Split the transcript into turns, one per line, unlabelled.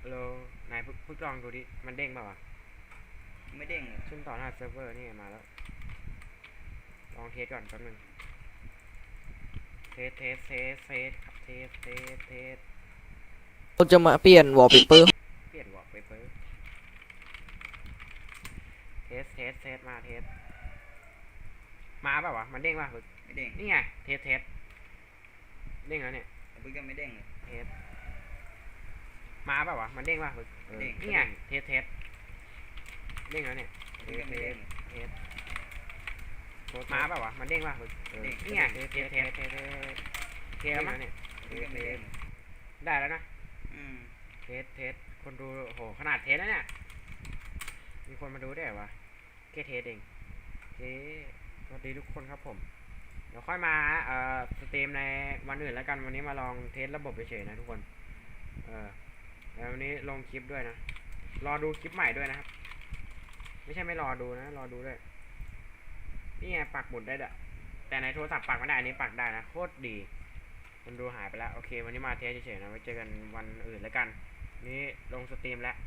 เรานายพึกลองดูดิมันเด้งเปล่าวะ
ไม่เด้งเลย
ซึ่งต่อหน้าเซิร์ฟเวอร์นี่มาแล้วลองเทสก่อนแป๊บนึงเทสครับเทส
เราจะมาเปลี่ยนวอลเปเปอร์
เปลี่ยนวอลเปเปอร์เทสมาเทสมาเปล่าวะมันเด้งป่ะพึก
ไม่เด้ง
นี่ไงเทสเด้งแล้วเนี่ย
พึ่งก็ไม่เด้งเลย
เทสมาเปล่าวะมันเด้งป่ะพึกนี่ไงเทสเด้งแล้วเนี่ย
พึ่งก็ไม่เด้ง
เทสมาเปล่าวะมันเด้งป่ะพึกนี่ไงเทสแล้วมั้งเนี่ย
พึ่งก็ไม่เด้ง
ได้แล้วนะ
อืม
เทสคนดูโหขนาดเทสแล้วเนี่ยมีคนมาดูได้วะแค่เทสเองสวัสดีทุกคนครับผมเดี๋ยวค่อยมาสตรีมในวันอื่นแล้วกันวันนี้มาลองเทสระบบเฉยๆนะทุกคนแล้ววันนี้ลงคลิปด้วยนะรอดูคลิปใหม่ด้วยนะครับไม่ใช่ไม่รอดูนะรอดูด้วยนี่ไงปักหมุดได้ด้วยแต่ในโทรศัพท์ปักไม่ได้อันนี้ปักได้นะโคตรดีคนดูหายไปแล้วโอเควันนี้มาเทสเฉยๆนะไว้เจอกันวันอื่นแล้วกันนี่ลงสตรีมแล้ว